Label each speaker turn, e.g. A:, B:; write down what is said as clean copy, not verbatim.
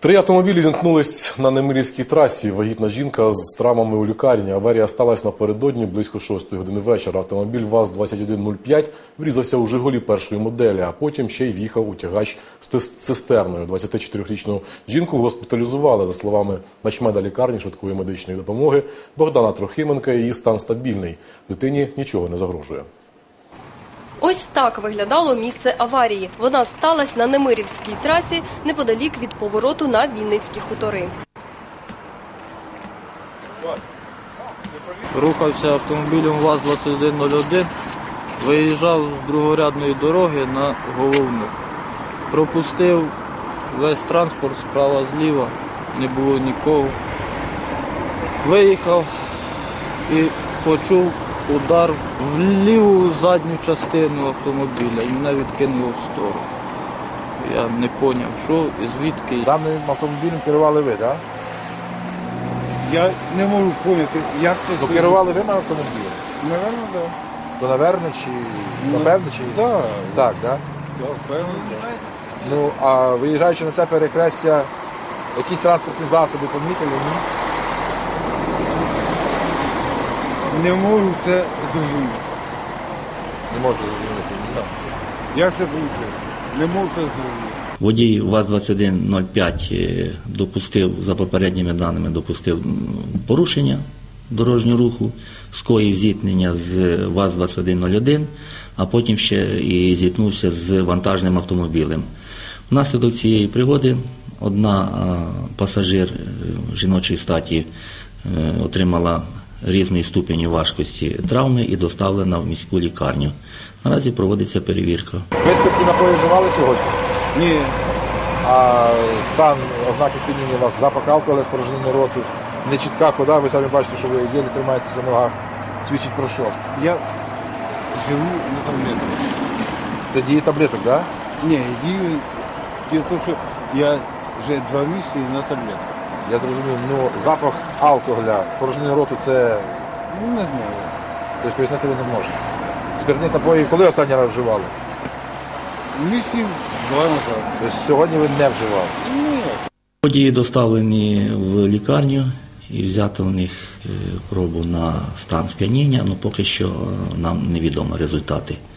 A: Три автомобілі зіткнулись на Немирівській трасі. Вагітна жінка з травмами у лікарні. Аварія сталася напередодні близько 6 години вечора. Автомобіль ВАЗ-2105 врізався у «Жигулі» першої моделі, а потім ще й в'їхав у тягач з цистерною. 24-річну жінку госпіталізували. За словами начмеда лікарні швидкої медичної допомоги Богдана Трохименка, її стан стабільний. Дитині нічого не загрожує.
B: Ось так виглядало місце аварії. Вона сталася на Немирівській трасі неподалік від повороту на Вінницькі хутори.
C: Рухався автомобілем ВАЗ-2101, виїжджав з другорядної дороги на головну. Пропустив весь транспорт справа-зліва, не було нікого. Виїхав і почув удар в ліву задню частину автомобіля і мене відкинуло в сторону. Я не зрозумів, що і звідки.
D: Даним автомобілем керували ви, так?
E: Я не можу зрозуміти, як це...
D: Ну, керували ви на автомобілі?
E: Наверно, так.
D: То напевно чи... Напевно чи...
E: Так.
D: Так, так?
E: Так, певно, так.
D: Ну, а виїжджаючи на це перехрестя, якісь транспортні засоби помітили, ні?
E: Не можу це зрозуміти.
D: Не можу зрозуміти, ні.
E: Як це вийшло? Не можу це зрозуміти.
F: Водій ВАЗ-2105 допустив, за попередніми даними, допустив порушення дорожнього руху, скоїв зіткнення з ВАЗ-2101, а потім ще і зіткнувся з вантажним автомобілем. Внаслідок цієї пригоди одна пасажир жіночої статі отримала різної ступені важкості травми і доставлена в міську лікарню. Наразі проводиться перевірка.
D: Ви спиртні напої вживали сьогодні?
E: Ні.
D: А стан, ознаки сп'яніння у вас, запах алкоголю, спорожнення роту, нечітка хода, ви самі бачите, що ви єлі тримаєтеся на ногах, свідчить про що?
E: Я живу на таблетках.
D: Це діє таблеток, так?
E: Ні, діло в тому, що я вже 2 місяці на таблетках.
D: Я зрозумів, ну запах алкоголя, спорожнення роту це,
E: Ну, не знаю.
D: тобто пояснити ви не можете. Спиртні напої коли останній раз вживали?
E: Місяців 2 назад.
D: Тобто сьогодні ви не вживали?
E: Ні.
F: Водії доставлені в лікарню і взято в них пробу на стан сп'яніння, але поки що нам невідомі результати.